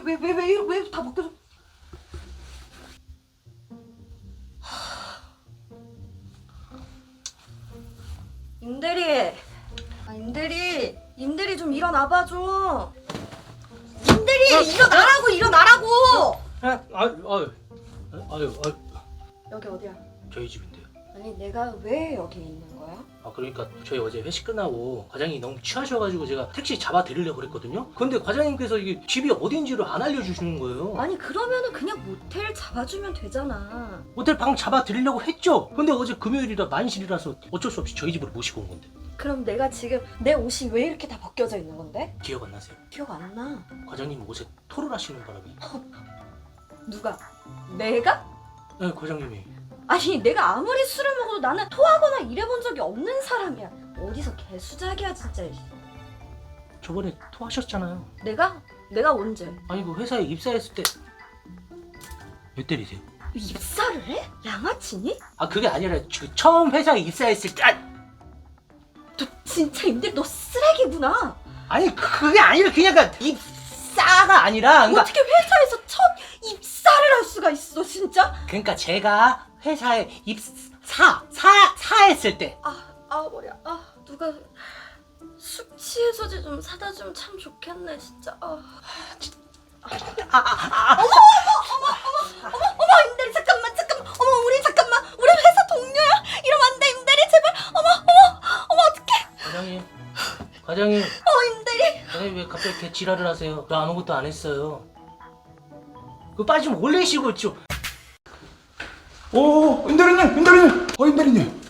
왜 다 벗겨져? 임대리, 임대리 좀 일어나봐 좀. 임대리 일어나라고. 아유, 여기 어디야? 저희 집인데요. 아니 내가 왜 여기 있는 거야? 그러니까 저희 어제 회식 끝나고 과장님이 너무 취하셔가지고 제가 택시 잡아 드리려고 그랬거든요. 근데 과장님께서 이게 집이 어딘지를 안 알려주시는 거예요. 아니 그러면은 그냥 모텔 잡아주면 되잖아. 호텔 방 잡아 드리려고 했죠. 근데 어제 금요일이라 만실이라서 어쩔 수 없이 저희 집으로 모시고 온 건데. 그럼 내가 지금 내 옷이 왜 이렇게 다 벗겨져 있는 건데? 기억 안 나세요? 기억 안 나. 과장님 옷에 토를 하시는 바람에. 누가? 내가? 네, 과장님이. 아니 내가 아무리 술을 먹어도 나는 토하거나 이래본 적이 없는 사람이야. 어디서 개수작이야 진짜. 저번에 토하셨잖아요. 내가 언제? 아니 그 회사에 입사했을 때 몇 때리세요? 입사를 해? 양아치니? 그게 아니라 처음 회사에 입사했을 때 너 진짜 임대 너 쓰레기구나. 아니 그게 아니라 그냥 입사가 아니라 어떻게 회사에서 첫 입사를 할 수가 있어 진짜? 그러니까 제가 회사에 입사했을 때. 머리야. 누가 술 취해서지 좀 사다 주면 참 좋겠네 진짜. 어머 임대리 잠깐만. 어머 우리 회사 동료야. 이러면 안 돼 임대리 제발. 어머 어떡해. 과장님 임대리. 과장님 왜 갑자기 이렇게 지랄을 하세요? 저 아무것도 안 했어요. 그 빨리 좀 올리시고 좀. 오, 임대리님! 임대리님!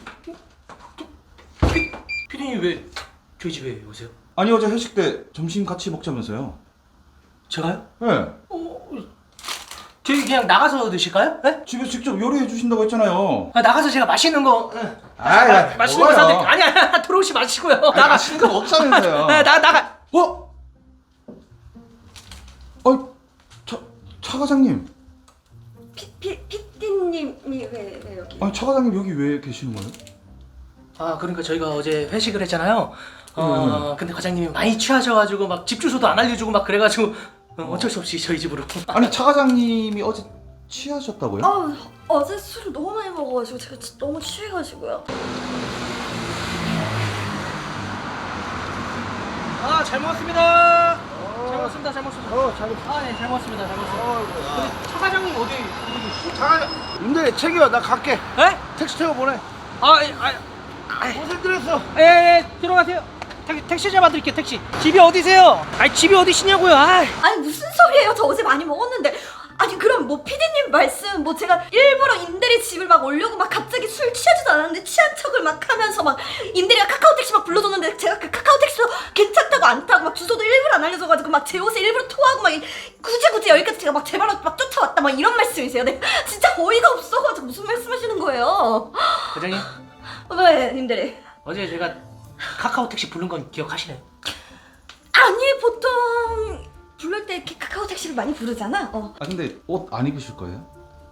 피디님 왜 저희 집에 오세요? 아니, 어제 회식 때 점심 같이 먹자면서요. 제가요? 네. 저희 그냥 나가서 드실까요? 네? 집에서 직접 요리해 주신다고 했잖아요. 나가서 제가 맛있는 거 맛있는 거 먹어요. 사드릴게요. 아니 들어오시 마시고요. 나가. 맛있는 거 먹자면서요. 나가. 차 과장님. 피디님이 왜 여기? 아니, 차 과장님 여기 왜 계시는 거예요? 그러니까 저희가 어제 회식을 했잖아요. 근데 과장님이 많이 취하셔가지고 막 집 주소도 안 알려주고 막 그래가지고 어쩔 수 없이 저희 집으로. 아니, 차 과장님이 어제 취하셨다고요? 어제 술을 너무 많이 먹어가지고 제가 진짜 너무 취해가지고요. 잘 먹었습니다. 잘 먹었습니다. 잘 먹었습니다. 근데 차 과장님 어디 계시지? 임대 챙겨 나 갈게. 에? 택시 태워 보내. 고생들었어. 들어가세요. 택시 잡아드릴게요. 택시. 집이 어디세요? 집이 어디시냐고요? 아니 무슨 소리예요? 저 어제 많이 먹었는데. 아니 그럼 뭐 피디님 말씀 뭐 제가 일부러 임대리 집을 막 오려고 막 갑자기 술 취하지도 않았는데 취한 척을 막 하면서 막 임대리가 카카오택시 막 불러줬는데 제가 그 카카오택시도 괜찮다고 안 타고 막 주소도 일부러 안 알려줘가지고 막 제 옷에 일부러 토하고 막 굳이 여기까지 제가 막 제 발로 막 쫓아왔다 막 이런 말씀이세요? 네 진짜 어이가 없어가지고 무슨 말씀하시는 거예요? 과장님 왜 임대리? 어제 제가 카카오 택시 부른 건 기억하시나요? 아니 보통 부를 때 이렇게 카카오 택시를 많이 부르잖아. 근데 옷 안 입으실 거예요?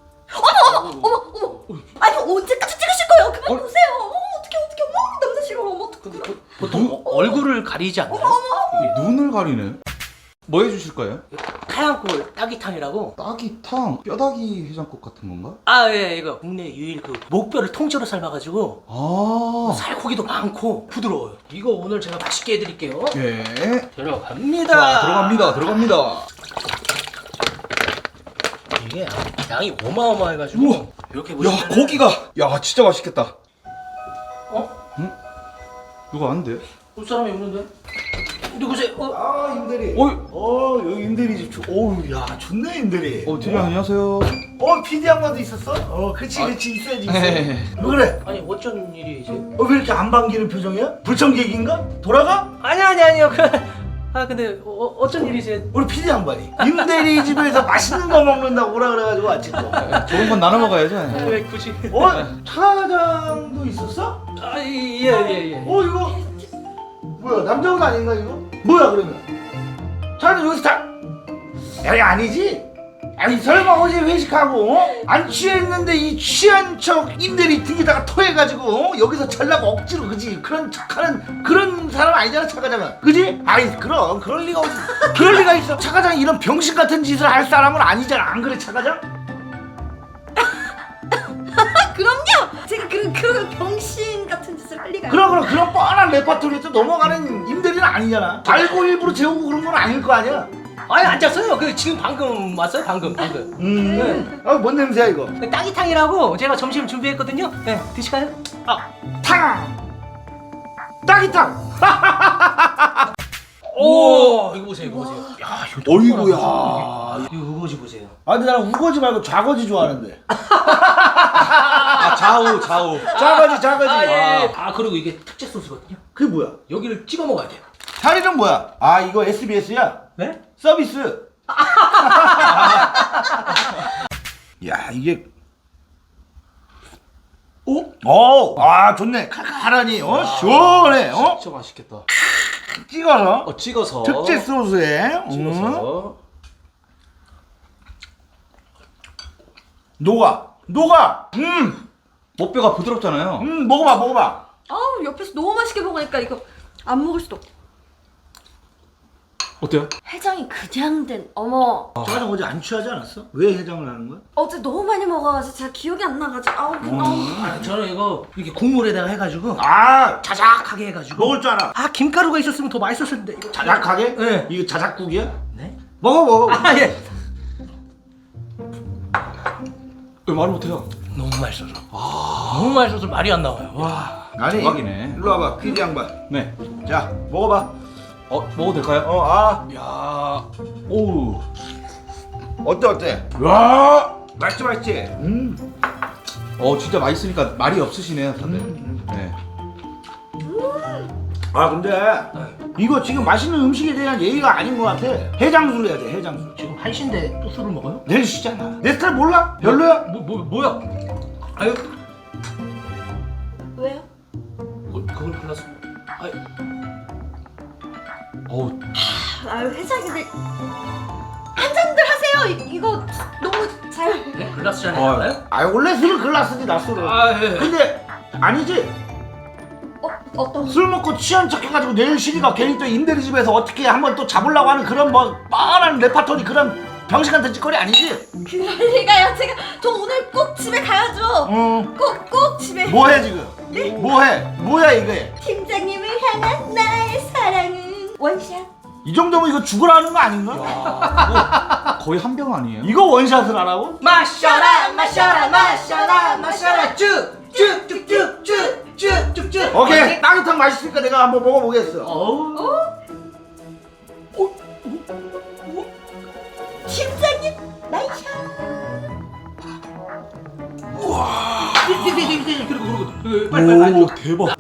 어머. 아니 언제까지 찍으실 거예요? 그만 보세요. 어떡해. 남자 싫어. 어떡해. 보통 얼굴을 가리지 않나요? 눈을 가리네. 뭐 해주실 거예요? 하얀골 따기탕이라고. 따기탕, 뼈다귀 해장국 같은 건가? 예, 이거 국내 유일 그 목뼈를 통째로 삶아가지고 살코기도 많고 부드러워요. 이거 오늘 제가 맛있게 해드릴게요. 예. 들어갑니다. 자, 들어갑니다. 이게 양이 어마어마해가지고 우와. 이렇게 야, 보시면 고기가 진짜 맛있겠다. 응? 누가 안 돼? 볼 사람이 없는데? 누구세요? 임대리. 여기 임대리 집. 야 좋네 임대리. TV 안녕하세요. PD 양반도 있었어? 그렇지 있어야지. 네. 왜 그래? 아니 어쩐 일이세요? 왜 이렇게 안 반기는 표정이야? 불청객인가? 돌아가? 아니요. 근데 어쩐 일이세요? 우리 PD 양반이 임대리 집에서 맛있는 거 먹는다고 오라 그래가지고 왔지 또. 좋은 건 나눠 먹어야죠. 왜 굳이? 차장도 있었어? 예. 이거 뭐야 남자 옷 아닌가 이거? 뭐야 그러면? 차는 여기서 다 여기 아니지? 아니 설마 어제 회식하고 안 취했는데 이 취한 척 임대리 등에다가 토해가지고 여기서 잘라고 억지로 그지 그런 척하는 그런 사람 아니잖아 차 과장은 그지? 아이 그럼 그럴 리가 어디 그럴 리가 있어 차 과장이 이런 병신 같은 짓을 할 사람은 아니잖아 안 그래 차 과장? 그럼요. 제가 그런 병신 같은 짓을 할 리가요. 그런 뻔한 레파토리에서 넘어가는 임대리는 아니잖아 알고 일부러 재우고 그런 건 아닐 거 아니야? 아니 앉았어요. 그 지금 방금 왔어요. 방금. 뭔 냄새야 이거 그 따기탕이라고 제가 점심 준비했거든요. 네, 드실까요? 아, 따기탕 오, 이거 보세요. 이거 보세요. 야, 이거 어이구야. 이거 우거지 보세요. 아 근데 나는 우거지 말고 좌거지 좋아하는데 아 좌우. 좌거지 아, 예. 아, 그리고 이게 특제 소스거든요. 그게 뭐야? 여기를 찍어 먹어야 돼요. 자리는 뭐야? 아 이거 SBS야? 네? 서비스 야 이게 아 좋네 칼칼하니 시원해 진짜 맛있겠다. 찍어서 찍어서. 특제 소스에 찍어서. 녹아 목뼈가 부드럽잖아요. 먹어봐 아우 옆에서 너무 맛있게 먹으니까 이거 안 먹을 수도. 어때요? 해장이 그냥 된. 어머. 저는 어제 안 취하지 않았어? 왜 해장을 하는 거야? 어제 너무 많이 먹어가지고 제가 기억이 안 나가지고 아우 아, 저는 이거 이렇게 국물에다가 해가지고 아 자작하게 해가지고. 먹을 줄 알아 아, 김가루가 있었으면 더 맛있었을 텐데. 이거 자작하게? 네. 이거 자작국이야? 네? 먹어 아, 예. 왜 말을 못해요? 너무 맛있어서. 너무 맛있어서 말이 안 나와요. 와. 아니 대박이네. 일로 와봐 PD 양반 네. 자 먹어봐 먹어도 될까요? 야. 오우. 어때? 와 맛있지? 진짜 맛있으니까 말이 없으시네요, 다들. 네. 아 근데 이거 지금 맛있는 음식에 대한 예의가 아닌 것 같아 해장술 해야 돼 해장술 지금 한시인데 또 술을 먹어요? 내일 쉬잖아 내 스타일 몰라? 별로야? 뭐야? 아유, 왜요? 그걸 골랐어. 아유, 어우. 아유 회장님들 한 잔들 하세요. 이거 너무 잘. 네? 글라스 잔에 나와요? 아 원래 술을 글라스지 나 술을 아, 예. 근데 아니지 어떤? 술 먹고 취한 척 해가지고 내일 쉬니까 괜히 또 임대리 집에서 어떻게 한번 또 잡으려고 하는 그런 뭐 뻔한 레파토리 그런 병신 같은 짓거리 아니지? 그럴 리가요. 저 오늘 꼭 집에 가야죠. 꼭 집에. 뭐해 지금? 뭐해? 뭐야 이게? 팀장님을 향한 나의 사랑은 원샷. 이 정도면 이거 죽으라는 거 아닌가? 거의 한 병 아니에요? 이거 원샷을 하라고? 마셔라, 쭉쭉쭉쭉쭉쭉쭉쭉쭉. 오케이 따뜻한 맛있으니까 내가 한번 먹어보겠어 팀장님 나이샷. 그리고 빨리. 대박.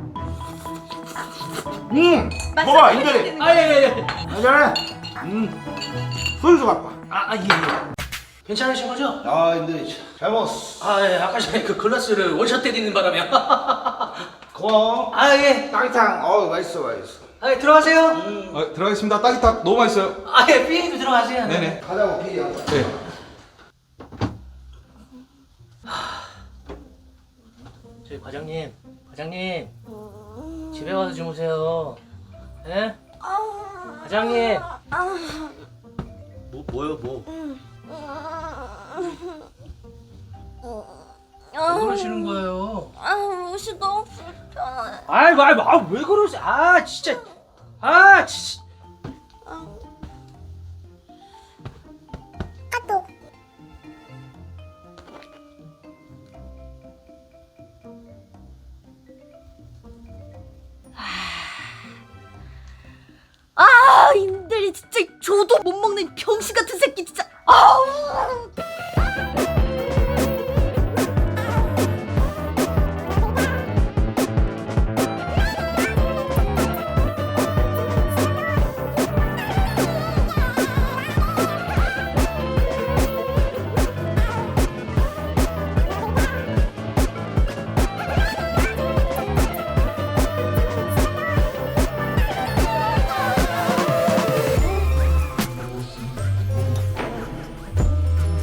먹어 임대리 아, 예. 잘해 소유주 갖고 아, 예. 괜찮으신 거죠? 와 임대리 잘 먹었어 아, 예. 아까 전에 그 글라스를 원샷 때리는 바람에. 고마워 아, 예. 따뜻한 맛있어 아, 예. 들어가세요. 들어가겠습니다. 따기탕 너무 맛있어요. 아, 예. 피디도 들어가세요. 네네. 가자고 PD 양반 네. 저희 과장님 집에 가서 주무세요. 예? 과장님. 뭐요? 왜 그러시는 거예요? 옷이 너무 불편해. 아이고, 왜 그러세요? 진짜. 임대리 진짜 저도 못 먹는 병신 같은 새끼 진짜. 아우